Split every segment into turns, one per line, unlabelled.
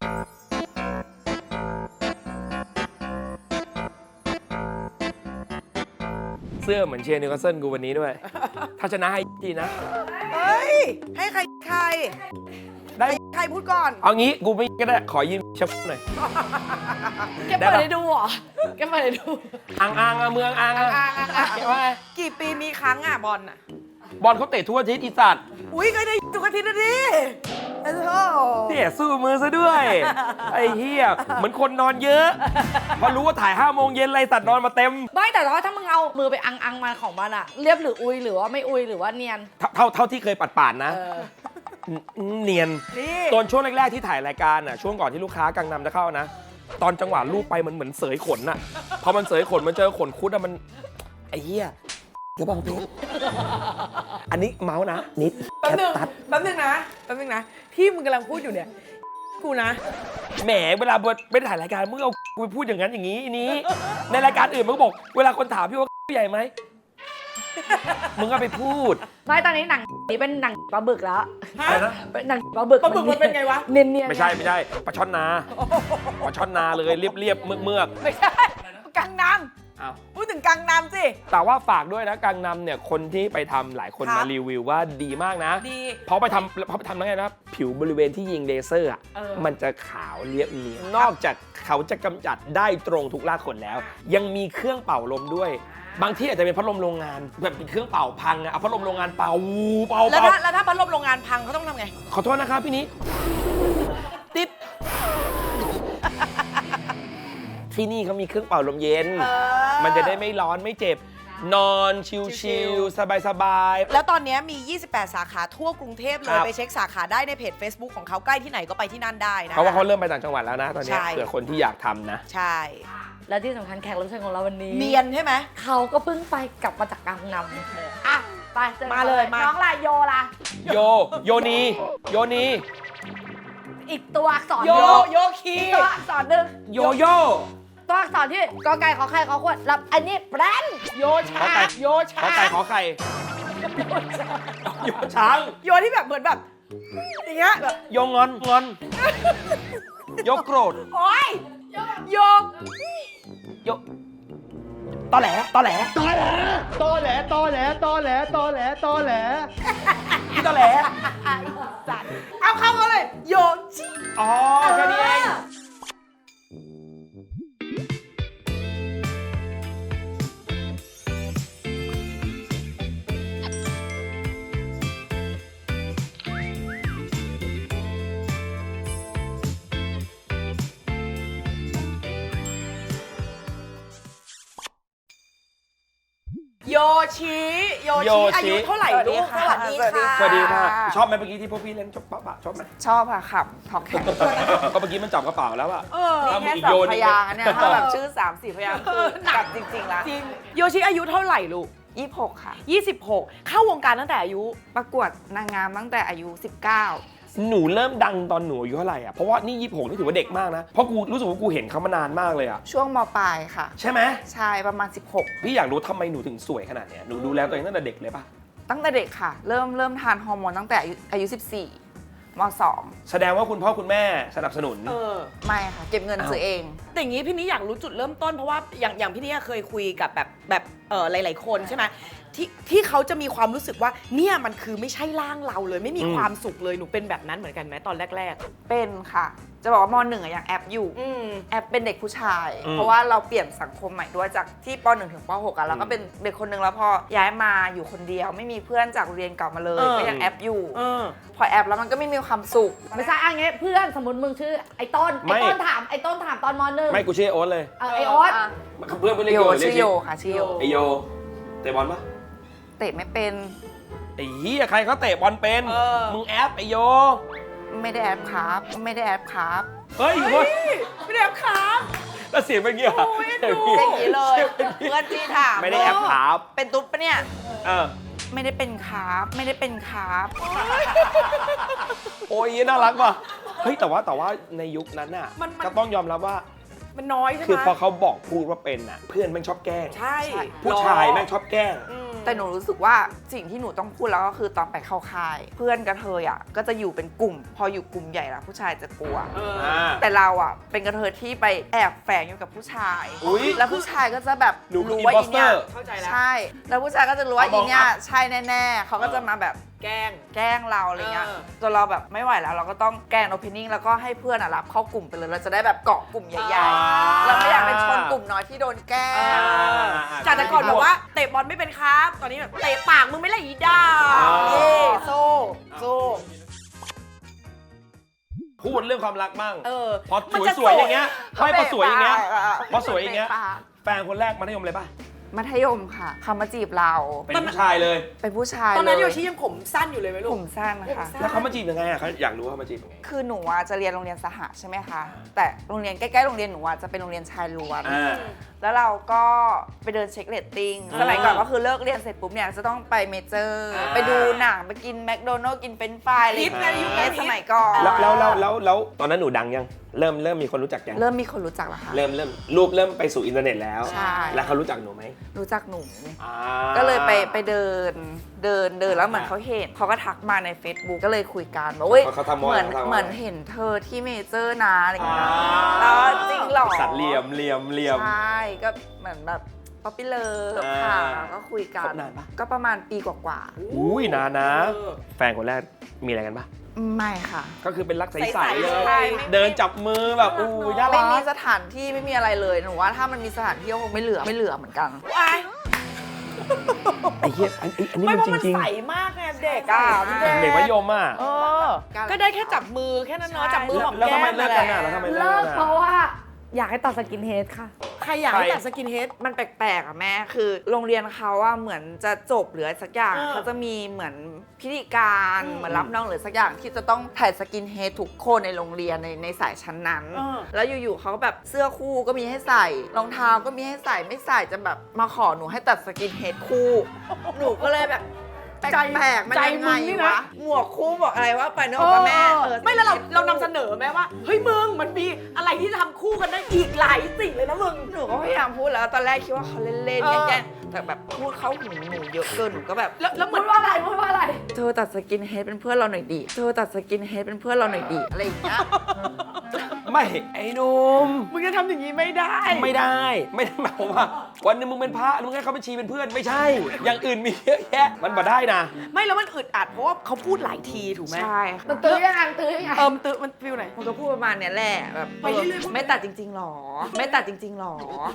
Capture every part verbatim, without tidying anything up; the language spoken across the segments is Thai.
เสื้อเหมือนเชียร์นิวคาสเซิลกูวันนี้ด้วย ถ้าชนะให้ดีนะ
เฮ้ย ให้ใครใคร
ได้
ใครพูดก่อน
เอางี้กูไม่ก็ได้ขอยืมชับหน่อย
แกเปิดให้ดูเหรอแกเปิดให้ดู
อ่างอ่างอะเมืองอ่างอะ
อ่างอ่างอ่าง
เห็นว่าไง
กี่ปีมีครั้งอ่ะบอลอ่ะ
บอลเขาเตะทั่วอาทิศอีสัตว์
อุ้ยก็ได้ทุกอาทิตย์นะดิโอ้โห
เนี่ยสู้มือซะด้วย ไอ้เหี้ยเหมือนคนนอนเยอะ พอรู้ว่าถ่ายห้าโมงเย็นไรสัตว์นอนมาเต็ม
ไม่แต่ว่าถ้ามึงเอามือไปอังอังมาของมันอะเรียบหรืออุยหรือว่าไม่อุยหรือว่าเนียน
เท่าเท่าที่เคยปัดป่านนะ
เออ
เนียน
นี่
ตอนช่วงแรก ๆ ที่ถ่ายรายการน่ะช่วงก่อนที่ลูกค้ากังนำจะเข้านะ ตอนจังหวะลูบไปมันเหมือนเสยขนน่ะพอมันเสยขนมันเจอขนคุดอะมันไอ้เหี้ยกระบองเพชรอันนี้เมาส์นะนิด
แป๊บ
แค
นึง
ตัด
แป๊บนึงนะแป๊บนึงนะ ที่มึงกำลังพูดอยู่เนี่ย กูนะ
แหมเวลาไม่ได้ถ่ายรายการมึงเอากูไปพูดอย่างนั้นอย่างนี้อันนี้ ในรายการอื่นมึงก็บอก เวลาคนถามพี่ว่าใหญ่ไหมมึงก็ไปพูด
ไม่ตอนนี้หนังนี้เป็นหนังปลาบึกแล้ว
อะไรนะ
เป็นหนังปลาบึก
ปลาบึกมันเป็นไงวะ
เนียนเนียน
ไม่ใช่ไม่ใช่ปลาช่อนนาปลาช่อนนาเลยเรียบเรียบเมือกเมือก
ไม่ใช่กังน
อ้าว
ำพูดถึงกังนำสิ
แต่ว่าฝากด้วยนะกังนำเนี่ยคนที่ไปทำหลายคน
ครับ
มารีวิวว่าดีมากนะ
ดี
เพราะไปทำเพราะไปทำแล้วไงนะผิวบริเวณที่ยิงเลเซอร์อ่ะ
เออ
มันจะขาวเรียบเนียนนอกจากเขาจะกำจัดได้ตรงทุกรากขนแล้ว ยังมีเครื่องเป่าลมด้วย บางที่อาจจะเป็นพัดลมโรงงานแบบเป็นเครื่องเป่าพังอะเอาพัดลมโรงงานเป่าเป่า
แล้ว
เป่า
ถ้าแล้วถ้าพัดลมโรงงานพังเขาต้องทำไง
ขอโทษนะครับพี่นี้ติดที่นี่เขามีเครื่องเป่าลมเย็น
เออ
มันจะได้ไม่ร้อนไม่เจ็บ นอนชิลๆสบายๆ
แล้วตอนนี้มี ยี่สิบแปด สาขาทั่วกรุงเทพเล
ค
ย
รับ
ไปเช็คสาขาได้ในเพจ Facebook ของเขาใกล้ที่ไหนก็ไปที่นั่นได้นะ
เพราะว่าเขาเริ่มไปต่างจังหวัดแล้วนะตอนเนี้ย
ใช่
เผื่อคนที่อยากทำนะ
ใช่
และที่สำคัญแขกรับเชิญของเราวันนี้
เนียนใช่ไหม
เขาก็เพิ่งไปกลับมาจากกังนำอ่ะไปจอ
มาเลยมา
น้องล่ะโยล่ะ
โย โยนี โยนี
อีกตัวอักษร
โย
หนึ่ง
โยคี
อีกตัวอักษรหนึ่ง
โยโย่
ตัวอักษรที่กอไก่ขอไข่ขอขวดรับอันนี้แบรนด์
โยชาโย
ข
ชา
อไก่ขอไข่โยช้าง
โยที่แบบเหมือนแบบอย่างเงี้ยแบบ
โยงอนงอน โยโกรธ
โอ๊ยโย
โยตอแหลตอแหล
ตอแหลตอแหลตอแหลตอแหลตอแหลตอแหล
พี่ตอแหล
จัดเอาเข้ามาเลยโยชิ
อ๋อแค่นี้เอง
โยชิโยชิอายุเท่าไหร่ลูกสวัสดีค่ะ
สวัสดีค่ะ ชอบไหมเมื่อกี้ที่พวกพี่เล่นจบปะปะชอบไหม
ชอบค่ะขับท็อกแข็ง
ก็เมื่อกี้มันจับกระเป๋าแล้วอะ
เออ
ถ้ามึ
แค่
งอีก
สา
โย
ม
น
พ
อีก
ยางค์เนี่ยถ้าแบบชื่อสามสี่พยางค์คือกัดจริงๆละ
จริงโยชิอายุเท่าไหร่ลูก
ยี่สิบหกค่ะ
ยี่สิบหกเข้าวงการตั้งแต่อายุ
ประกวดนางงามตั้งแต่อายุสิบเก้า
หนูเริ่มดังตอนหนูอายุเท่าไหร่อะเพราะว่านี่ยี่สิบหกนี่ถือว่าเด็กมากนะ เพราะกูรู้สึกว่ากูเห็นเขามานานมากเลยอะ
ช่วงมปลายค่ะ
ใช่ไหม
ใช่ประมาณสิบหก
พี่อยากรู้ทำไมหนูถึงสวยขนาดเนี้ยหนูดูแลตัวเองตั้งแต่เด็กเลยปะ
ตั้งแต่เด็กค่ะ เริ่มเริ่มทานฮอร์โมนตั้งแต่อายุอายุสิบสี่มสอง
แสดงว่าคุณพ่อคุณแม่สนับสนุน
เออ
ไม่ค่ะ เก็บเงินซื้อเอง
แต่อย่างนี้พี่นี้อยากรู้จุดเริ่มต้นเพราะว่าอย่างอย่างพี่นี้เคยคุยกับแบบแบบเออหลาย ๆ คนใช่ไหมที่ที่เขาจะมีความรู้สึกว่าเนี่ยมันคือไม่ใช่ร่างเราเลยไม่มี
อืม
ความสุขเลยหนูเป็นแบบนั้นเหมือนกันไหมตอนแรก
เป็นค่ะ จะบอกว่ามหนึ่งอะยังแอปอยู่
ๆ อืม
แอปเป็นเด็กผู้ชาย
อืม
เพราะว่าเราเปลี่ยนสังคมใหม่ด้วยจากที่ปหนึ่งถึงปหกอะเราก็เป็นเด็กคนหนึ่งแล้วพอย้ายมาอยู่คนเดียว ไม่มีเพื่อนจากโรงเรียนเก่ามาเลย
เออ
ก็ยังแอปอยู่
เออ
พอแอปแล้วมันก็ไม่มีความสุข
ไม่ใช่อันนี้เพื่อนสมมติมึงชื่อไอ้ต้น
ไม่
ไอ้ต้นถามไอ้ต้นถามตอนมหนึ่ง
ไม่กูชื่อโอ๊ตเลย
เออไอ้โอ๊ต
ะ
เพื่อนเพื่อนเรียก
โย
โยเรีย
ชื่
ก
อโยค่ะชื่อโย
ไอโยเตะบอลปะ
เตะไม่เป็น
ไอ้เหี้ยใครเขาเตะบอลเป็น
เออ
มึงแอปไอโย
ไม่ได้แอปครับไม่ได้แอปครับ
เฮ้ยเฮ้ย
ไม่ได้แอปครับ
แล้วเสียงเป็นเงี้ย
โอ้ยดู
สี
อย่างนี้เลยเพื่อนที่ถาม
ไม่ได้แอปครับ
เป็นตุ๊ดปะเนี่ย
เออ
ไม่ได้เป็นครับไม่ได้เป็นครับ
โอ้ยน่ารักว่ะเฮ้ยแต่ว่าแต่ว่าในยุคนั้นน่ะ
มันมัน
ก็ต้องยอมรับว่า
มันน้อยใช่ไหม
คือพอเขาบอกพูดว่าเป็นน่ะเพื่อนแม่งชอบแกล้ง
ใช่
ผู้ชายแม่งชอบแกล้ง
อืม
แต่หนูรู้สึกว่าสิ่งที่หนูต้องพูดแล้วก็คือตอนไปเข้าค่าย เพื่อนกับเธออ่ะก็จะอยู่เป็นกลุ่ม พออยู่กลุ่มใหญ่แล้วผู้ชายจะกลัว
เออ
อ่า
แต่แต่เราอ่ะเป็นกระเทยที่ไปแอบแฝงอยู่กับผู้ชาย
อุ๊ย
แล้วผู้ชายก็จะแบบ
หนูคือ
รู้ว่าอีเนี่ย
imposter
เข้าใจแล้ว
ใช่ แล้วผู้ชายก็จะรู้ว่า
เอาม
อี
อง
เนี่ย
อัพ
ใช่แน่ๆเขาก็จะมาแบบ
แกล้ง
แกล้งเราอะไรเงี้ย
เออ
จนเราแบบไม่ไหวแล้วเราก็ต้องแกล้งโอเพนนิ่งแล้วก็ให้เพื่อนอะรับเข้ากลุ่มไปเลยเราจะได้แบบเกาะกลุ่มใหญ่ๆเราไม่อยากเป็นชนกลุ่มน้อยที่โดนแกล้ง
จากแต่ก่อนบอกว่าเตะบอลไม่เป็นครับ ตอนนี้แบบเตะปากมึงไม่ละอีด้า
อ่า
เย่โซ่โซ่
พูดเรื่องความรักมั่ง
เออ
พอ
มันจะ
สวยๆอย่างเงี้ย
เขา
ไม่พอสวยอย่างเงี้ย
เบรกปากอะ
พอสวยอย่างเงี้ย
เบรกปาก
แฟนคนแรกมัธยมเลยป่ะ
มัธยมค่ะเขามาจีบเรา
เป็นผู้ชายเลย
เป็นผู้ชาย
ตอนนั้น
เล
โยชิยังผมสั้นอยู่เลยไหมลูก
ผมสั้นค่ะ
แล้วเขามาจีบยังไงอ่ะเขาอยากรู้ว่าเขามาจีบยังไง
คือหนูอะจะเรียนโรงเรียนสหะใช่ไหมคะ แต่โรงเรียนใกล้ๆโรงเรียนหนูอะจะเป็นโรงเรียนชายล้วน
อ่า
แล้วเราก็ไปเดินเช็คเรตติ้ง
อ่า
สมัยก่อนก็คือเลิกเรียนเสร็จปุ๊บเนี่ยจะต้องไปเมเจอร์
อ่า
ไปดูหนังไปกินแมคโดนัลด์กินเฟรนช์ฟรายอะไรอย่าง
ฮิตนะยุคนั้
เงี้
น
ยสมัยก่อน
แล้วแล้วแล้วแล้วแล้วตอนนั้นหนูดังยัง เริ่มเริ่มมีคนรู้จักยัง
เริ่มมีคนรู้จักแล้วค่ะ
เริ่มเริ่มรูปเริ่มไปสู่อินเทอร์เน็ตแล้ว
ใช่
แล้วเขารู้จักหนูไหม
รู้จักหนู
อ่า
ก็เลยไปไปเดินเดินเดินแล้วเหมือนเขาเห็นเขาก็ทักมาใน Facebook ก็เลยคุยกันบอกเว้ย
เขาเขาทำว่า
เหมือน
เขาทำว่า
เหมือนเห็นเธอที่เมเจอร์นะอะไรอย่างเงี้ย
อ่า
แล้วจริงเหรอ
สัตว์เหลี่ยมเหลี่ยมเหลี่ยม
ใช่ก็เหมือนแบบป๊อปปี้เลิฟ
อ่า
ค่ะก็คุยกั
คบนานปะ
ก็ประมาณปีกว่า
อุ้ยนานนะ
เออ
แฟนคนแรกมีอะไรกันปะ
ๆไม่ค่ะ
ก็คือเป็นรักใส
ใส
ๆ
ๆ
เล
ใช่
ย
ไม่
เดินจับมือแบบอู้ยน่า
ไม่
รั
มี
ก
สถานที่ไม่มีอะไรเลยหนูว่าถ้ามันมีสถานที่ก็คงไม่เหลือไม่เหลือเหมือนกัน
ว้าย
ไอ้เหี้ยอันอันนี้
ไม่
มัน
เพราะ
จ
มัน
ริง
ใสมากไงเด็กอ่ะพี่
ๆ
เด็ก
เด็กมัธยมอ่ะ
เออ ก็ได้แค่จับมือแค่นั้นเนาะ
ใช่
จับมือหอม
แล้ว
แก้
ทำไม
ม
เลิก
นั่น
กัน
แห
อ่ะ
ละ
แล้วทำไม
เลิก
อ่ะ
เพราะว่าอยากให้ตัดสกินเฮดค่ะ
ใครอยากให้
ใคร
ตัดสกินเฮด
มันแปลกๆอ่ะแม่คือโรงเรียนเขาอะเหมือนจะจบหรือสักอย่าง
เออ
เขาจะมีเหมือนพิธีการ
อืม
เหมือนรับน้องหรือสักอย่างที่จะต้องถ่ายสกินเฮดทุกคนในโรงเรียนในในสายชั้นนั้น
เออ
แล้วอยู่ๆเขาก็แบบเสื้อคู่ก็มีให้ใส่รองเท้าก็มีให้ใส่ไม่ใส่จะแบบมาขอหนูให้ตัดสกินเฮดคู่ หนูก็เลยแบบแป
ใจ
ลกๆมัน
ใจ
ยัง
มึ
ไง
งนี่นะ
วะหมวกคู่บอกอะไรว่าไปเนอะว่าแม่เออ
ไม่แล้วเราเรานำเสนอไหมว่า เฮ้ยมึงมันมีอะไรที่จะทำคู่กันได้อีกหลายสิ่งเลยนะมึง
หนูก็พยายามพูดแล้วตอนแรกคิดว่าเขาเล่น
เออ
ๆแกล้งๆแต่แบบพูดเข้าหูหนูเยอะเกินหนูก็แบบ
แล้วแล้วเหมื
พู
อน
ดว่าอะไรพูดว่าอะไร
เธอตัดสกินเฮดเป็นเพื่อนเราหน่อยดิเธอตัดสกินเฮดเป็นเพื่อนเราหน่อยดิอะไรอย่างเงี้ย
ไม่ไอ้หนุ่ม
มึงจะทำอย่างนี้ไม่ได้
ไม่ได้ ไม่ได้หมายความว่า วันหนึงมึงเป็นพระมึงให้เขาเป็นชีเป็นเพื่อนไม่ใช่ อย่างอื่นมีเยอะแยะมันบ่ได้นะ
ไม่แล้วมันอึดอัดเพราะว่าเขาพูดหลายทีถูกไหม
ใช่
มั
ค่ะ
นตื้อยังไงตื้อยังไง
เอิมตื้อมันฟิลไหน
มันก็พูดประมาณเนี้ยแหละแบบ
ไปเรื่อยๆ
เออไม่ตัดจริง ๆหรอ ไม่ตัดจริง ๆหรอ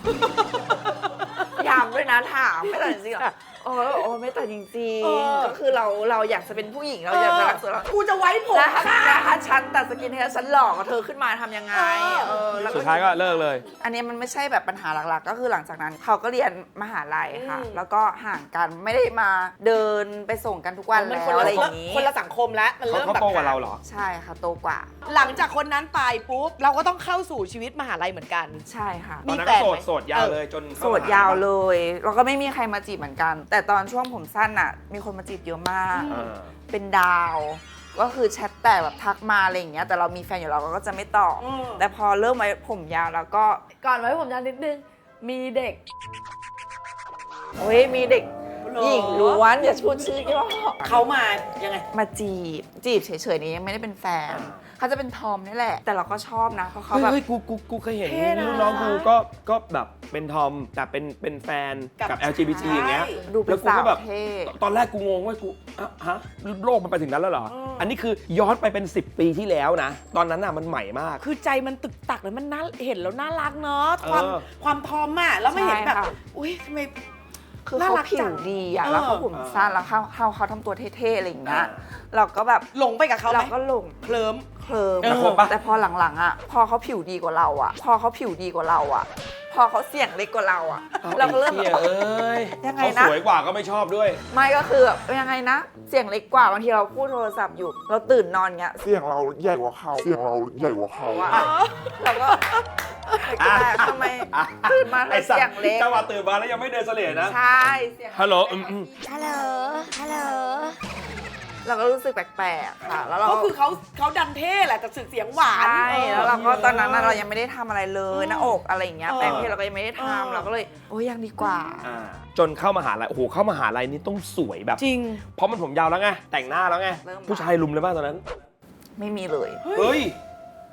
ย้ำด้วยนะถามไม่ตัดจริงๆหรอโอ้โอ้ไม่ตัดจริง
เออ
ๆก็คือเราเราอยากจะเป็นผู้หญิงเราอยากจะรักสวยเรา
กูจะไว้ผม
แล้วถ้า
ค่ะ
แล้วถ้าฉันตัดสกินเฮดฉันหลอกกับเธอขึ้นมาทำยังไงเออแล้ว
สุดท้ายก็เลิกเลย
อันนี้มันไม่ใช่แบบปัญหาหลักๆ ก็คือหลังจากนั้นเขาก็เรียนมหาลัยค่ะ
อืม
แล้วก็ห่างกันไม่ได้มาเดินไปส่งกันทุกวัน
มัน
แล้
คน
ว
ละ
อะไรอย่างนี้
คนละสังคมแล้วมัน
เขา
เริ่ม
เขา
แบบ
โตกว่าเราเหรอ
ใช่ค่ะโตกว่า
หลังจากคนนั้นไปปุ๊บเราก็ต้องเข้าสู่ชีวิตมหาลัยเหมือนกัน
ใช่ค่ะ
ตอนนั้น
มี
ก็
แฟน
โส
ไหม
ดโสดยาวเลยจน
โสดยาวเลยแล้วก็ไม่มีใครมาจีบเหมือนกัน แต่ตอนช่วงผมสั้นอ่ะ มีคนมาจีบเยอะมาก
อ่า
เป็นดาว ก็คือแชทแต่แบบทักมาอะไรอย่างเงี้ยแต่เรามีแฟนอยู่เราก็จะไม่ตอบ
อืม
แต่พอเริ่มไว้ผมยาวแล้วก็
ก่อนไว้ผมยาวนิดนึง มีเด็ก
เฮ้ยมีเด็กหญิงล้วนอย่าพูดชื่อที่ว่า
เขามายังไง
มาจีบ จีบเฉยๆนี้ยังไม่ได้เป็นแฟน
อ่า
เขาจะเป็นทอมนี่แหละ แต่เราก็ชอบนะเพราะเขา
เฮ้ย
แบบ
เฮ้ยกูกูกูเคยเห็น
เท่นะ
รุ่นน้องกูก็ก็แบบเป็นทอมแต่เป็นเป็นแฟน
กับ
กับ แอล จี บี ที อย่างเงี้ย
ดูเป็
แล้
น
วกู
สา
ก็
ว
แบบ
เท่
ตอนแรกกูงงว่ากูอ่ะฮะโลกมันไปถึงนั้นแล้วเหรอ
อืม
อันนี้คือย้อนไปเป็นสิบปีที่แล้วนะ ตอนนั้นน่ะมันใหม่มาก
คือใจมันตึกตักเลยมันน่าเห็นแล้วน่ารักเนาะความ
เออ
ความทอมอ่ะแล้วไม่เห็นแบบ
ใช่ค่ะ
อุ้ยทำไม
คือ
น่า
เขา
รัก
ผิ
จั
ว
ง
ดีอ่ะ
เออ
แล้วเขาผมสั้นแล้วเขาเขาเขาทำตัวเท่ๆอะไรอย่างเงี้ย
อ่า
เราก็แบบ
หลงไปกับเขาไหม
เราก็หลง
เคลิ้ม
เคลิม
เออ
คบปะ
แต่พอหลังๆอ่ะ พอเขาผิวดีกว่าเราอ่ะ พอเขาผิวดีกว่าเราอ่ะ พอเขาเสียงเล็กกว่าเราอ่ะ เราก็เริ่ม
ไอ้หี้ยเอ้ย
ยังไง
เขา
นะ
สวยกว่าก็ไม่ชอบด้วย
ไม่ก็คือแบบยังไงนะ เสียงเล็กกว่าบางทีเราพูดโทรศัพท์อยู่ เราตื่นนอนเงี้ย
เสียงเราใหญ่กว่าเขาเสียงเราใหญ่กว่าเขา
ว่าเราก็แต่ทำไมตื่นมาเธ
ไอ้
อ
สัต
เสียง
ว์
เล็ก
จังหวะตื่นมาแล้วยังไม่เดินเสลดนะ
ใช่เสียง
ฮัลโหลอืมอืม
ฮัลโหล ฮัลโหล
เราก็รู้สึกแปลกๆค่ะ แล้วเรา
ก็คือเขาเขาดันเท่แหละแต่สึกเสียงหวาน
ใช่
เออ
แล้วเราก็ตอนนั้นน่ะเรายังไม่ได้ทำอะไรเลยหน้าอกอะไรอย่างเงี้ย
เออ
แปลงเพศเราก็ยังไม่ได้
เออ
ทำเราก็เลยโอ้ยยังดีกว่า
อ่าจนเข้ามหาลัยโอ้โหเข้ามหาลัยนี่ต้องสวยแบบ
จริง
เพราะมันผมยาวแล้วไงแต่งหน้าแล้วไง
เริ่ม
ผู้ชายลุมเลยป่ะตอนนั้น
ไม่มีเลย
เฮ้ย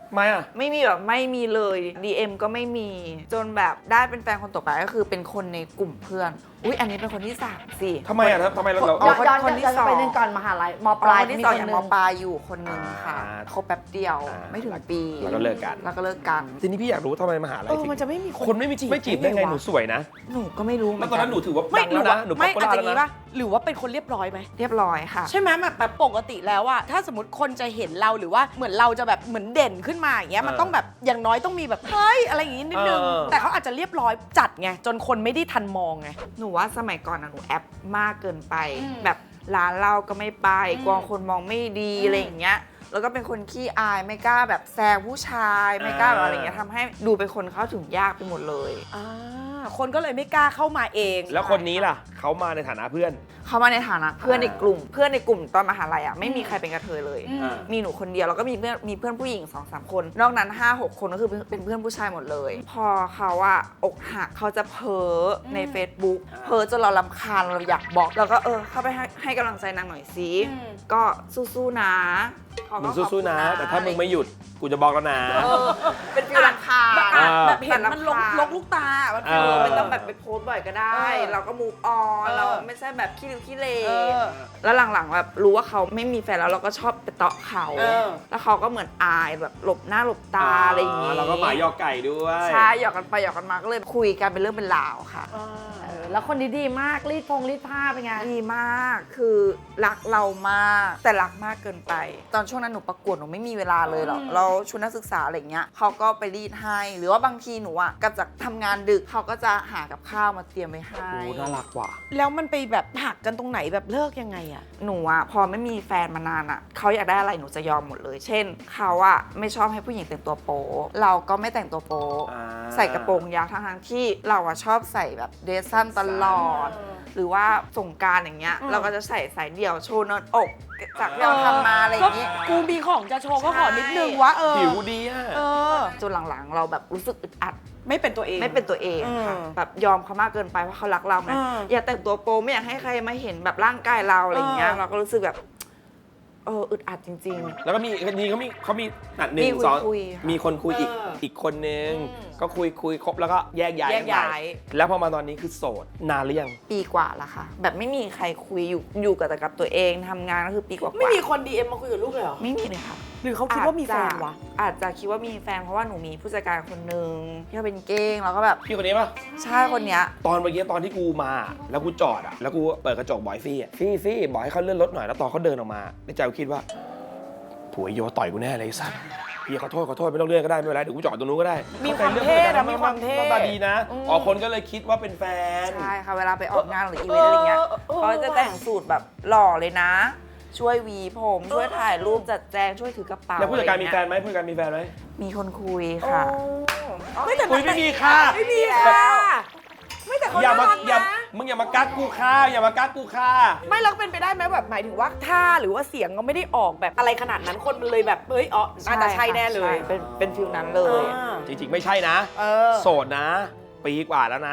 ไม่อะ
ไม่มีแบบไม่มีเลย ดี เอ็ม ก็ไม่มี จนแบบได้เป็นแฟนคนต่อไปก็คือเป็นคนในกลุ่มเพื่อน อุ้ยอันนี้เป็นคนที่สามสิ
ทำไมอะทำไมเราเรา
อ๋
ย้
อ
อนย้อน
คนที่
ย้อน
สอง
ไปหนึ่งก่อนมหาลัยมป
ป
ลา
ลาย ยที่
มี
สอง
คน
อย่าง
หนึ่
ม
ง
ปลายอยู่คนนึงค่ะ
อ่า
คบแป๊บเดียว
อ่า
ไม่ถึงปี
แล้วก็เลิกกัน
แล้วก็เลิกกัน
ทีนี้พี่อยากรู้ทำไมมหาลั
เอย อ
ถึง
มันจะไม่มีคน
คนไม่มีไม่จีบได้ไงหนูสวยนะ
หนูก็ไม่รู้เหมื
แล้
อ
วน ตอนนั้นหนูถือว่า
ไม่
ดัง
หรื
แล้ว
อว่า
นะหนู
ไม่
ป๊อป
อาจ
ปู
จะ
ล่า
งี้
แล้ว
ป่ะ
นะ
หรือว่าเป็นคนเรียบร้อยไหม
เรียบร้อยค่ะ
ใช่ไหมแบบแบบปกติแล้วอะถ้าสมมติคนจะเห็นเราหรือว่าเหมือนเราจะแบบเหมือนเด่นขึ้นมาอย่างเงี้ยมันต้องแบบอย่างน้อยต้องมีแบบเฮ้ยอะไรอย่างงี้นิดนึง
เออ
แต่เขาอาจจะเรียบร้อยจัดไงจนคนไม่ได้ทันมองไง
หนูว่าสมัยก่อนนะหนูแอปมากเกินไป
อืม
แบบร้านเหล้าก็ไม่ไป
อืม
กลัวคนมองไม่ดี
อืม
อะไรอย่างเงี้ยแล้วก็เป็นคนขี้อายไม่กล้าแบบแซงผู้ชายไม่กล้าแบบอะไรอย่างเงี้ยทำให้ดูเป็นคนเข้าถึงยากไปหมดเลย
อ่าคนก็เลยไม่กล้าเข้ามาเอง
แล้วคนนี้ล่ะเขามาในฐานะเพื่อน
เขามาในฐานะเพื่อน
อ่า
ในกลุ่ม เพื่อนในกลุ่มตอนมหาลัยอ่ะไม่มีใครเป็นกระเทยเลย
อืม
มีหนูคนเดียวแล้วก็มีเพื่อนมีเพื่อนผู้หญิงสองสามคน นอกนั้นห้าหกคนก็คือเป็นเพื่อนผู้ชายหมดเลย พอเขาอะอกหักเขาจะเพ้อใน Facebook
อ่า
เพ้อจนเรารำคาญเราอยากบอกแล้วก็เออเข้าไปให้ให้กำลังใจนางหน่อยสิ
อืม
ก็สู้ๆนะเขา
มึ
ก็
ง
ขอบ
สู้
คุณ
ๆนะ แต่ถ้ามึงไม่หยุดกูจะบอกแล้วนะ
เออเป็นฟิลรำคาญ
อ่ะ
อ่า
แบบเห็นมันลก
แต่รำคาญ
ลกลูกตามัน
เอ
เออ
อ
ไม่ต้องแบบไปโพสต์บ่อยก็ได้
เออ
เราก็มูฟออน
เออ
เราไม่ใช่แบบขี้ริ้วขี้เล
เออ
แล้วหลังๆแบบรู้ว่าเขาไม่มีแฟนแล้วเราก็ชอบไปเตาะเขา
เออ
แล้วเขาก็เหมือนอายแบบหลบหน้าหลบตาอะไรอย่างงี้
เราก็หมายยอไก่ด้วย
ใช่หยอกกันไปหยอกกันมาก็เลยคุยกันเป็นเรื่องเป็นราวค่ะ
เออแล้วคนนี้ดีมากรีดพงรีดผ้าเป็นไง
ดีมากคือรักเรามากแต่รักมากเกินไป ตอนช่วงนั้นหนูประกวดหนูไม่มีเวลาเลยหรอกเราชุดนักศึกษาอะไรเงี้ยเขาก็ไปรีดให้หรือว่าบางทีหนูอ่ะกลับจากทำงานดึกเขาก็จะหากับข้าวมาเตรียมไว้ให้
โอ้น่ารักว่ะ
แล้วมันไปแบบหักกันตรงไหนแบบเลิกยังไงอะ
หนูอะพอไม่มีแฟนมานานอะเขาอยากได้อะไรหนูจะยอมหมดเลย เช่นเขาอะไม่ชอบให้ผู้หญิงแต่งตัวโป๊เราก็ไม่แต่งตัวโป๊
อ่า
ใส่กระโปรงยาวทั้งๆที่เราอะชอบใส่แบบเดรสสั้นตลอด หรือว่าสงกรารอย่างเงี้ยเราก็จะใส่สายเดี่ยวโชว์เนินอกจากที่เราทำมาอะไรอย่างงี้
ก็กูมีของจะโชว์ก็ขอนิดนึงวะเออ
ผิวดีอ่ะ
เออ
จนหลังๆ เราแบบรู้สึกอึดอัด
ไม่เป็นตัวเอง
ไม่เป็นตัวเองค่ะ
อืม
แบบยอมเขามากเกินไปเพราะเขารักเราไง
อืม
อย่าแต่งตัวโป๊ไม่อยากให้ใครมาเห็นแบบร่างกายเราอะไรอย่างเงี้ย
เออ
เราก็รู้สึกแบบเอออึดอัดจริง ๆ
แล้วก็มีนี่เขามีเขามีอ่ะหนึ่
มี
ง
คุย
สอง
คุยค่ะ
มีคนคุยอีก
เอออี
อีกคนนึง
อืม
ก็คุยคุยครบแล้วก็แยกย้าย
แยก
กันไป
ย้าย
แล้วพอมาตอนนี้คือโสดนานหรือยัง
ปีกว่าละค่ะ แบบไม่มีใครคุยอยู่อยู่กับแต่กับตัวเองทำงานก็คือปีกว่าๆ
ไม่มีคน ดี เอ็ม มาคุยกับลูกเลยเหรอ
ไม่มีเลยค่ะ
หรือเขาคิดว่ามีแฟนวะ
อาจจะคิดว่ามีแฟนเพราะว่าหนูมีผู้จัดการคนนึงที่เขาเป็นเก้งแล้วก็แบบ
พี่คนนี้ปะ
ใช่คนเนี้ย
ตอนเมื่อกี้ตอนที่กูมา แล้วกูจอดอ่ะแล้วกูเปิดกระจกบอยฟี่อ่ะฟี่ฟี่บอกให้เขาเลื่อนรถหน่อยแล้วตอนเขาเดินออกมาในใจกูคิดว่าผัวไอ้โยต่อยกูแน่เลยไอ้สัสพี่ขอโทษขอโทษไม่ต้องเลื่อนก็ได้ไม่เป็นไรเดี๋ยวกูจอดตรงนู้นก็ได้
มีความเท่นะมีความเท่
หน้าตาดีนะอ๋อคนก็เลยคิดว่าเป็นแฟน
ใช่ค่ะเวลาไปออกงานหรืออีเวนต์อะไรเงี้ย
เออเออ
เขาจะแต่งสูตรแบบหล่อเลยนะ ช่วยหวีผมช่วยถ่ายรูปจัดแจงช่วยถือกระเป๋า
แล้วผู้จัดการมี
อะ
แฟ
ไเงี้ย
นไหมผู้จัดการมีแฟนไหม
มีคนคุยค่ะ
ไม่แต่
อุ้ยไม่มีค่ะ
ไม่มีค่ะไม่แต่เขา
อย่ามา
น่ารัก
อย่า
นะ
มึงอย่ามากักกูค่ะอย่ามากักกูค่ะ
ไม่แล้วเป็นไปได้ไหมแบบหมายถึงว่าท่าหรือว่าเสียงก็ไม่ได้ออกแบบอะไรขนาดนั้นคนมันเลยแบบเฮ้ยอ๋อน่าจะใช่แน่เลย
ใช่เป็นเป็นฟิลนั้นเลย
อ่า
จริงๆไม่ใช่นะ
เออ
โสดนะ ปีกว่าแล้วนะ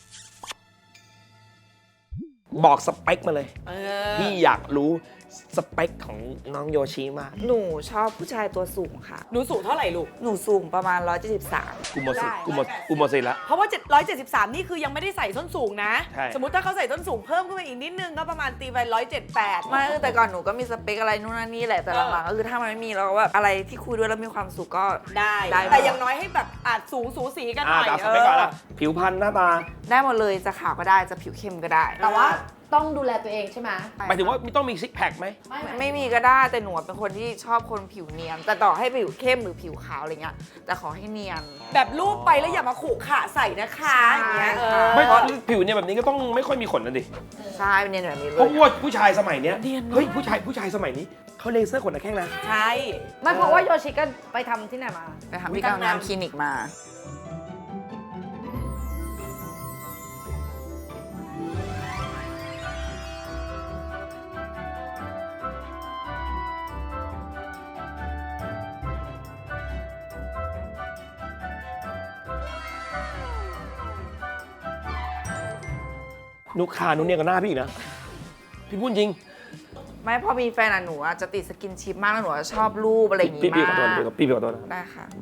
บอกสเปคมาเลย
เออ
พี่อยากรู้สเปคของน้องโยชิมาก
หนูชอบผู้ชายตัวสูงค่ะ
หนูสูงเท่าไหร่ลูก
หนูสูงประมาณหนึ่งร้อยเจ็ดสิบสาม
กูหมดสิทธิ์
ได้
กูหมดกูหมดสิทธิ์แล้ว
เพราะว่าเจ็ดร้อยเจ็ดสิบสามนี่คือยังไม่ได้ใส่ส้นสูงนะ
ใช่
สมมติถ้าเขาใส่ส้นสูงเพิ่มขึ้นมาอีกนิดนึงก็ประมาณตีไปร้อยเจ็ดแปด
ไม่แต่ก่อนหนูก็มีสเปคอะไรนู่นนั่นนี่แหละ แต่
เออ
หลังๆก็คือถ้ามันไม่มีเราก็แบบอะไรที่คุยด้วยแล้วมีความสุขก็
ได้
ได้
แต่อย่างน้อยให้แบบอาจสูงสูสีกันห
อ่า
น่อย
แต่เอาสเปคก่อนละผิวพรรณหน้าตา
ได้หมดเลยจะขาวก็ได้จะผิวเข้มก็ได้
แต่ว่าต้องดูแลตัวเองใช่ไหม
หมายถึงว่าต้องมีซิกแพคไหม
ไม่
ไม่ไม่มีก็ได้แต่หนูเป็นคนที่ชอบคนผิวเนียน แต่ต่อให้ผิวเข้มหรือผิวขาวอะไรเงี้ยแต่ขอให้เนียน
แบบรูปไปแล้วอย่ามาขู่ขะใส่นะคะอย่างเงี้ยเออ
ไม่ผิวเนี่ยแบบนี้ก็ต้องไม่ค่อยมีขนนะดิ
ใช่เป็นเนียนแบบนี้เล
เพราะ
ย
ว่าผู้ชายสมัยเนี้ย
เนียนเนอะ
เฮ้ยผู้ชายผู้ชายสมัยนี้เขาเลเซอร์ขนตะแข้งนะ
ใช่
ไม่เพราะว่าโยชิก็ไปทำที่ไหนมา
ไปทำที่กลางน้ำคลินิกมา
นุกขานุกเนี่ยกับหน้าพี่อีกนะ พี่พูดจริง
ไม่พอมีแฟนอะหนูอะจะติดสกินชิปมากแล้วหนูจะชอบรูปอะไรอย่างงี้
พี่พี่ขอ
มา
โทษ
ก
เดี๋ยวพี่พี่ขอโทษนะ
ได้ค่ะ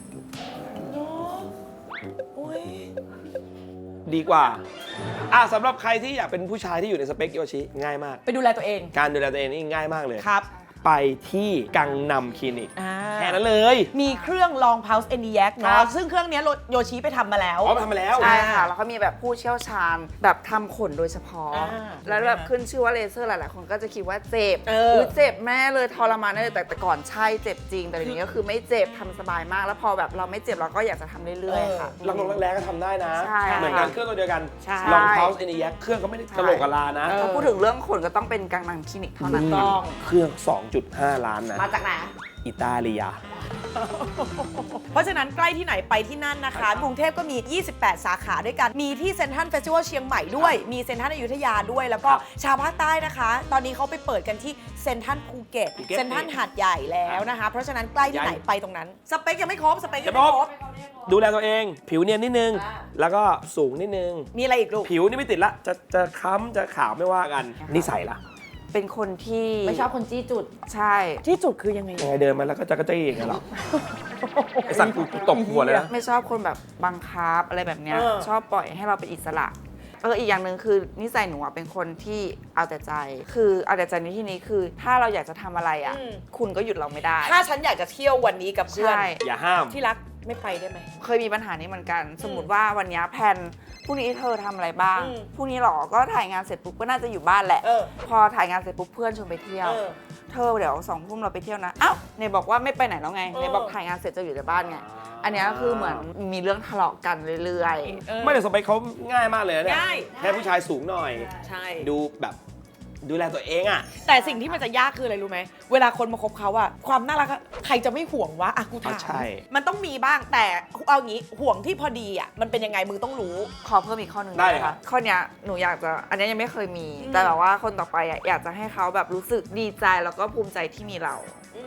ดีกว่าอ่ะสำหรับใครที่อยากเป็นผู้ชายที่อยู่ในสเปคโยชิง่ายมาก
ไปดูแลตัวเอง
การดูแลตัวเองนี่ง่ายมากเลย
ครับ
ไปที่กังนำคลินิก
อ่า
แค่นั้นเลย
มีเครื่องลอง Pulse e n i a c
ครั
เนาะ
บ
ซึ่งเครื่องเนี้ยโยชิไปทำมาแล้ว
อ๋อมาทำมาแล้ว
ใช่ค่ะ แล้วก็มีแบบผู้เชี่ยวชาญแบบทำขนโดยเฉพาะ
อ่า
แล้วแบบขึ้นชื่อว่าเลเซอร์หลายๆคนก็จะคิดว่าเจ็บ
เออ
ยเจ็บแม่เลยทรมานแน่เลยแต่แต่ก่อนใช่เจ็บจริง แต่เดี๋ยวนี้ก็คือไม่เจ็บทำสบายมาก แล้วพอแบบเราไม่เจ็บเราก็อยากจะทำเรื่อยๆค่ะ
ลังลงแรงๆก็ทำได้นะ
ใช่
เหมือนกันเครื่องตัวเดียวกัน
ใช่
ลอง Pulse เอ็น อี เอ็กซ์ เครื่องก็ไม่ได้กะโหลกกะลานะ
ถ้าพูดถึงเรื่องขนก็ต้องเป็นกังนังคลินิกเท่านั้น
ต้อง
เครื่อง สองจุดห้า ล้านนะ
มาจากไหน
อิตาเลีย
เพราะฉะนั้นใกล้ที่ไหนไปที่นั่นนะคะ กรุงเทพก็มี ยี่สิบแปด สาขาด้วยกัน มีที่เซ็นทรัลเฟสติวัลเชียงใหม่ด้วย มีเซ็นทรัลอยุธยาด้วย แล้วก็ชาวภาคใต้นะคะ ตอนนี้เขาไปเปิดกันที่เซ็นทรัลภูเก็ต
ภูเก็ต
เซ็นทรัลหาดใหญ่แล้วนะคะ เพราะฉะนั้นใกล้ที่ไหนไปตรงนั้น สเปคยังไม่ครบ สเปคยังไม่ครบ
ดูแลตัวเอง ผิวเนียนนิดนึง แล้วก็สูงนิดนึง
มีอะไรอีกลูก
ผิวนี่ไม่ติดละ จะจะค้ำจะขาวไม่ว่ากัน นิสัยล่ะ
เป็นคนที่
ไม่ชอบคนจี้จุด
ใช่
ที่จุดคือยังไง
ยังไงเดินมาแล้วก็จะกระจี้อย่างเงี้ยหรอ ไอสัตว์กูตบหัวเลยนะ
ไม่ชอบคนแบบบังคับอะไรแบบเนี้ย
เออ
ชอบปล่อยให้เราเป็นอิสระเอออีกอย่างหนึ่งคือนิสัยหนูอะเป็นคนที่เอาแต่ใจ คือเอาแต่ใจในที่นี้คือ ถ้าเราอยากจะทำอะไรอ่ะ คุณก็หยุดเราไม่ได้
ถ้าฉันอยากจะเที่ยววันนี้กับเพื่อน
ใช่
อย่าห้าม
ที่รักไม่ไปได้ไหม
เคยมีปัญหานี้เหมือนกัน สมมติว่าวันเนี้ยแพลนพรุ่งนี้เธอทำอะไรบ้าง
อืม
พรุ่งนี้หรอก็ถ่ายงานเสร็จปุ๊บก็น่าจะอยู่บ้านแหละ
เออ
พอถ่ายงานเสร็จปุ๊บเพื่อนชวนไปเที่ยว
เออ
เธอเดี๋ยวสองทุ่มเราไปเที่ยวนะอ้าวเนยบอกว่าไม่ไปไหนแล้วไง
เออ
เนยบอกถ่ายงานเสร็จจะอยู่แต่บ้านไงอันเนี้ยก็คือเหมือนมีเรื่องทะเลาะกันเรื่อยๆ
เออ
ไม่แต่สเปคเขาง่ายมากเลยนะเนี่ย
ง่าย
แค่ผู้ชายสูงหน่อย
ใช่
ดูแบบดูแลตัวเองอ่ะ
แต่สิ่งที่มันจะยากคืออะไรรู้ไหม เวลาคนมาคบเขาอะความน่ารักอะใครจะไม่ห่วงวะอะกูถาม
ใช่
มันต้องมีบ้างแต่เอางี้ห่วงที่พอดีอะมันเป็นยังไงมึงต้องรู้
ขอเพิ่มอีกข้อหนึ่ง
ได้
ได้
เล
ไห
ย
ม
ครั
คะ
บ
ข้อเนี้ยหนูอยากจะอันเนี้ยยังไม่เคยมี
อืม
แต่แบบว่าคนต่อไปอ่ะอยากจะให้เขาแบบรู้สึกดีใจแล้วก็ภูมิใจที่มีเรา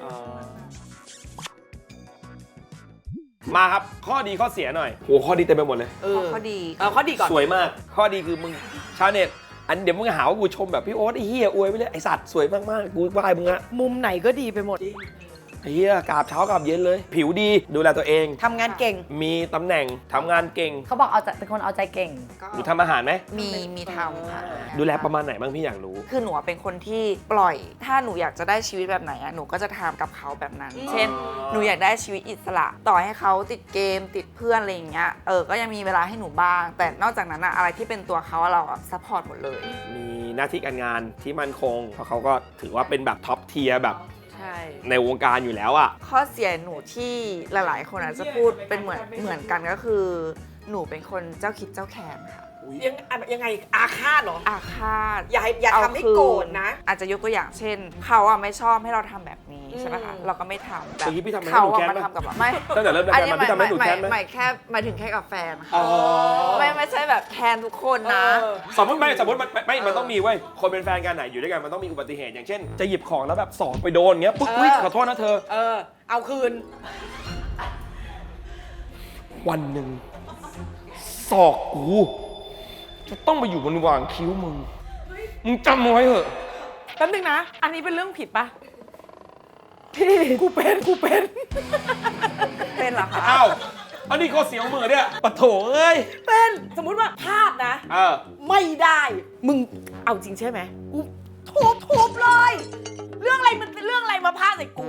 มาครับข้อดีข้อเสียหน่อยโหข้อดีเต็มไปหมดเลย
เออ
ข้อดี
เอาข้อดีก่อน
สวยมาก ข้อดีคือมึงชาวเน็ตอันเดี๋ยวมึงหาว่ากูชมแบบพี่โอ๊ตไอ้เหี้ยอวยไปเลยไอ้สัตว์สวยมากๆกูไหว้มึงอะ
มุมไหนก็ดีไปหมด
ไอ้เหี้ยกราบเช้ากราบเย็นเลย ผิวดีดูแลตัวเอง
ทำงานเก่ง
มีตำแหน่งทำงานเก่ง
เขาบอกเอาใจเป็นคนเอาใจเก่ง
หนูทำอาหารไหม
มีมีทำค่ะ
ดูแลประมาณไหนบ้างพี่อยากรู้
คือหนูอะเป็นคนที่ปล่อย ถ้าหนูอยากจะได้ชีวิตแบบไหนอ่ะหนูก็จะทำกับเขาแบบนั้น เช่น หนูอยากได้ชีวิตอิสระ ต่อให้เขาติดเกมติดเพื่อนอะไรอย่างเงี้ยเออก็ยังมีเวลาให้หนูบ้าง แต่นอกจากนั้นอะอะไรที่เป็นตัวเขาอะเราซัพพอร์ตหมดเลย
มีหน้าที่การงานที่มั่นคงเพราะเขาก็ถือว่าเป็นแบบท็อปเทียร์แบบ
ใช่
ในวงการอยู่แล้วอ่ะ
ข้อเสียหนูที่หลายๆ คนอาจจะพูดเป็นเหมือนเหมือนกันก็คือ หนูเป็นคนเจ้าคิดเจ้าแค้นค่ะ
ยังยังไงอาฆาตเหรอ
อาฆาต
อย่าให้อย่า
เ
ทำให้โกรธนะ
อาจจะยกตัวอย่างเช่น เขาอะไม่ชอบให้เราทำแบบนี้ใช่ไหมคะ
อืม
เราก็ไม่ทำแต่
เมื่อกี้พี่ทำให้
เขา
หนู
อะ
แค้น
มา
ปะ
ทำกับเราไม่
ตั้งแต่เริ่มรายการมาพี่ทำให้หนูแค้นไหม
หมายแค่หมายถึงแค่กับแฟนค่ะ
อ๋อ
ไม่ไม่ใช่แบบแค้นทุกคนนะ
เออ
สมมติไม่สมมติมันไม่ไม่มันต้องมีเว้ยคนเป็นแฟนกันไหนอยู่ด้วยกันมันต้องมีอุบัติเหตุอย่างเช่น จะหยิบของแล้วแบบสองไปโดนเงี้ยปุ๊บ
เออ
อุ๊ยขอโทษนะเธอ
เออ เอาคืน
วันหนึ่งศอกกูจะต้องไปอยู่บนวางคิ้วมึงมึงจำเอาไว้เถอะ
แป๊บนึงนะ อันนี้เป็นเรื่องผิดปะพี่กูเป็นกูเป็น
เป็นเหรอคะ
อ้าวอันนี้ข้อเสียของมือเนี่ยปะโถเอ้ย
เป็นสมมุติว่าพลาดนะ
เออ
ไม่ได้ มึงเอาจริงใช่ไหมกูทุบทุบเลย เรื่องอะไรมันเป็นเรื่องอะไรมาพลาดใส่กู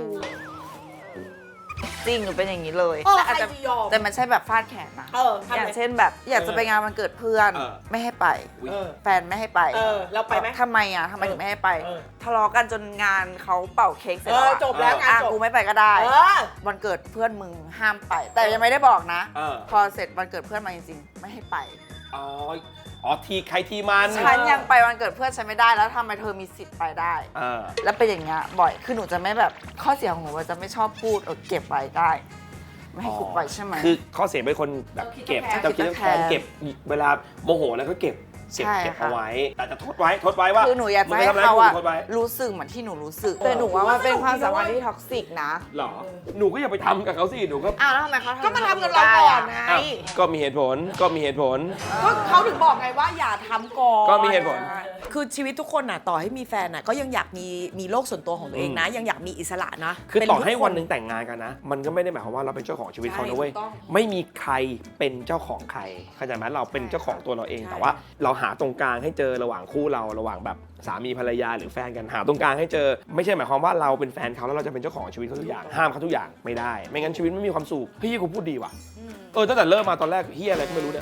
จริงหนูเป็นอย่างนี้เลย
เออ
แต่อาจจะ
ใครจะยอม
แต่มันใช่แบบฟาดแขนนะ
เออทำไง
อย่างเช่นแบบอยากจะไปงานวันเกิดเพื่อน
เออ
ไม่ให้ไป
เออ
แฟนไม่ให้ไป
เออเราไปไหม
ทำไมอ่ะทำไมถึงไม่ให้ไป
เออ
ทะเลาะกันจนงานเขาเป่าเค้กเสร็จ
เอ
แล้ว
อ
อะ
จบแล้วงาน
อ่ะ
จบ
กูไม่ไปก็ได้
เออ
วันเกิดเพื่อนมึงห้ามไป แต่ยังไม่ได้บอกนะ
เออ
พอเสร็จวันเกิดเพื่อนมาจริงๆ ไม่ให้ไป
อ๋ออ๋อทีใครทีมัน
ฉันยังไปวันเกิดเพื่อนฉันไม่ได้แล้วทำไมเธอมีสิทธิ์ไปได้
เออ
แล้วเป็นอย่างเงี้ยบ่อย คือหนูจะไม่แบบข้อเสียของหนูว่าจะไม่ชอบพูดเออเก็บไว้ได้ ไม่ให้กูปล่อยใช่ไหม
คือข้อเสียเป็นคนแบบเก็บ
เจ้า
เจ้า
คิ
คิ
ด
ด
เจ้า
เจ้า
แค้
แค้
น
นเก็บเวลาโมโหแล้วก็เก็บเก็บ
ใช่
เก็บ
ค่ะ
เอาไว้แต่จะทดไว้ทดไว้ว่า
คือหนูอยาก
มึ
จะ
ง
ให้
ทำร้ย
เขา
กู
อะ
ทดไว้
รู้สึกเหมือนที่หนูรู้สึก แต่หนูว่ามันเป็นความสัมพันธ์ที่ท็อกซิกนะ
หรอหนูก็อย่าไปทำกับเขาสิหนูก็
อ้าวแล้วทำไมเขา
ก็มาทำกับเราก่อนไง
อ้าวก็มีเหตุผลก็มีเหตุผล
ก็เขาถึงบอกไงว่าอย่าทำก่อน
ก็มีเหตุผล
คือชีวิตทุกคนน่ะต่อให้มีแฟนน่ะก็ยังอยากมีมีโลกส่วนตัวของตัวเองนะ ยังอยากมีอิสระนะ
คือ
เป็น
ต่อ
ทุก
ให้
ค
วันหนึ่งแต่งงานกันนะ มันก็ไม่ได้หมายความว่าเราเป็นเจ้าของชีวิตเขานะเว้ย
ใช่ถูกต้อง
ไม่มีใครเป็นเจ้าของใครเข้าใจไหมเราเป็นเจ้าของตัวเราเอง
ใช่
แต่ว่าเราหาตรงกลางให้เจอระหว่างคู่เราระหว่างแบบสามีภรรยาหรือแฟนกันหาตรงกลางให้เจอ ไม่ใช่หมายความว่าเราเป็นแฟนเขาแล้วเราจะเป็นเจ้าของชีวิตเขาทุกอย่างห้ามเขาทุกอย่างไม่ได้ ไม่งั้นชีวิตไม่มีความสุขเฮ้ยกูพูดดีว่ะเออตั้งแต่เริ่มมาตอนแรกเฮียอะไรก็ไม่รู้เนี่ย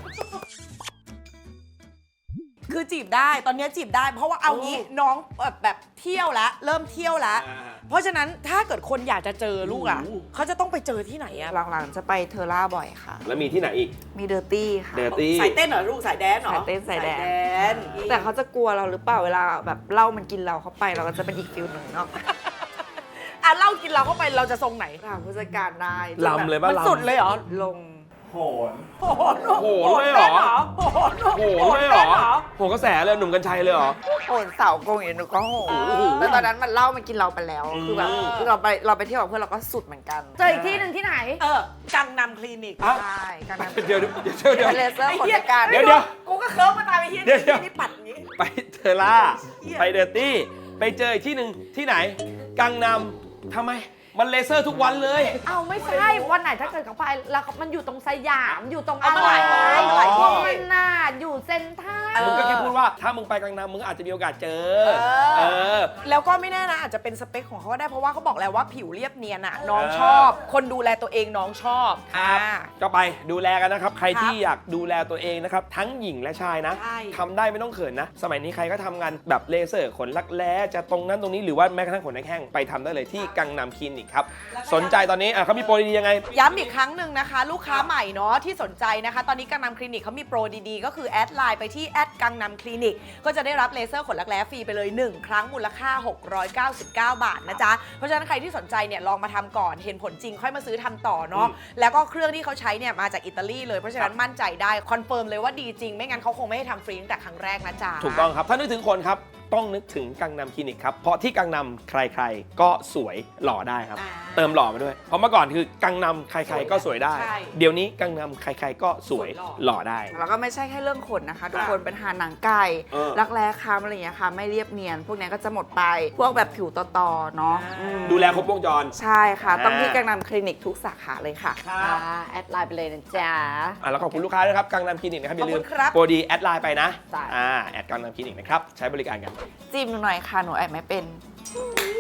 คือจีบได้ตอนนี้จีบได้ เพราะว่าเอางี้น้องแบบแบบเที่ยวแล้วเริ่มเที่ยวแล้ว เพราะฉะนั้นถ้าเกิดคนอยากจะเจอลูกอ่ะเขาจะต้องไปเจอที่ไหนอ่ะ
หลังๆจะไปเทอร่าบ่อยค่ะ
แล้วมีที่ไหนอีก
มีเดอร์ตี้ค่ะ
เดอร์ตี้
สายเต้นเหรอลูกสายแดนเหรอ
สายเต้นสายแดน
น
แต่เขาจะกลัวเราหรือเปล่าเวลาแบบเหล้ามันกินเราเข้าไปเราก็จะเป็นอีกฟิลหนึ่งเนาะ
อ่ะเล่ากินเราเข้าไปเราจะทรงไหน
ถามผู้จัดการได้
ลำเลยป่ะ
มัน
ลำ
สุดเลยเหรอ
ลง
โหน
โหน
โหนเลยเหรอ
โหน
โหนเลยเหรอโหนกระแสเลยหนุ่มกัญชัยเลยเหรอ
โหนเสากงอย่างหนูก็โหน
โอ้โห
แต่ตอนนั้นมันเหล้ามันกินเราไปแล้ว คือแบบ
อืม
คือเราไปเราไปเที่ยวกับเพื่อนเราก็สุดเหมือนกัน
เจออีกที่หนึ่งที่ไหน
เออกังนำคลินิก
อ่ะ
ใช่กันนั้น
เดี๋ยวเดี๋ยวเดี๋ยวเดี๋ยว
เป็นเลเซอร์ขนจัดการ
เดี๋ยวเดี๋ยว
กูก็เคิร์ฟมาตายไปเฮีย
เดี๋ยวเดี๋ยว
นี่ปัดอย่างงี้
ไปเทอร่า
เหี้ย
ไปเดอร์ตี้ ไปเจออีกที่หนึ่งที่ไหน กังนำทำไม มันเลเซอร์ทุกวันเลย
เอาไม่ใช่วันไหนถ้าเกิดเขาไปแล้วมันอยู่ตรงสยามอยู่ตรง
เอา
อะ
มา
ไร
หลายวันหลาย
พ
ที่
วกมันน่าอยู่เซ็นทรัล
มึงก็แค่พูดว่าถ้ามึงไปกังนำมึงอาจจะมีโอกาสเจอ เออ
แล้วก็ไม่แน่นะอาจจะเป็นสเปคของเขาก็ได้เพราะว่าเขาบอกแล้วว่าผิวเรียบเนียนอะน้องชอบ คนดูแลตัวเองน้องชอบ
ครับ
อ่า
ก็ไปดูแลกันนะครับ ใคร
ครับ
ที่อยากดูแลตัวเองนะครับ ทั้งหญิงและชายนะ
ใช่
ทำได้ไม่ต้องเขินนะ สมัยนี้ใครก็ทำงานแบบเลเซอร์ขนรักแร้จะตรงนั้นตรงนี้หรือว่าแม้กระทั่งขนแข้งไปทำได้เลยที่กังนำคลินิกครับ สนใจตอนนี้อ่ะเขามีโปรดีๆยังไง
ย้ำอีกครั้งหนึ่งนะคะ ลูกค้าใหม่เนาะที่สนใจนะคะ ตอนนี้กังนำคลินิกเขามีโปรดีๆ ก็คือแอดไลน์ไปที่แอดกังนำคลินิกก็จะได้รับเลเซอร์ขนรักแร้ฟรีไปเลย หนึ่ง ครั้งมูลค่า หกร้อยเก้าสิบเก้า บาทนะจ๊ะ เพราะฉะนั้นใครที่สนใจเนี่ยลองมาทำก่อนเห็นผลจริงค่อยมาซื้อทำต่อเนาะแล้วก็เครื่องที่เขาใช้เนี่ยมาจากอิตาลีเลยเพราะฉะนั้นมั่นใจได้คอนเฟิร์มเลยว่าดีจริงไม่งั้นเขาคงไม่ให้ทำฟรีตั้งแต่ครั้งแรกนะจ๊ะ
ถูกต้องครับ ถ้านึกถึงคนครับ ต้องนึกถึงกังนำคลินิกครับ เพราะที่กังนำใครๆ ก็สวยหล่อได้ครับ
อ่า
เติมหล่อมาด้วย เพราะเมื่อก่อนคือกังนำใครๆ ก็สวยได้
ใช่
เดี๋ยวนี้กังนำใครๆ ก็สวย
สวยหล่อ
หล่อได้
แล้วก็ไม่ใช่แค่เรื่องขนนะคะ ทุกคนเป็นทาหนังไก่
เออ
รักแร้ค้ำอะไรอย่างเงี้ยค่ะ ไม่เรียบเนียน พวกเนี้ยก็จะหมดไป พวกแบบผิวต่อๆเนาะอืม
ดูแลครบวงจร
ใช่ค่ะ
อ่า
ต้องที่กังนำคลินิกทุกสาขาเลยค่ะ
อ่าแอดไลน์ไปเลยนะจ๊ะ
อ่ะแล้วขอบคุณลูกค้าด้วยครับกังนำคลินิกนะครับอย่าลื
ขอบ
ม
คุณครับ
โปรดีแอดไลน์ไปนะ
จ้ะ
อ่าแอดกังนำคลินิกนะครับใช้บริการกัน
จิ้มหนูหน่อยค่ะ หนูแอบไม่เป็น
อ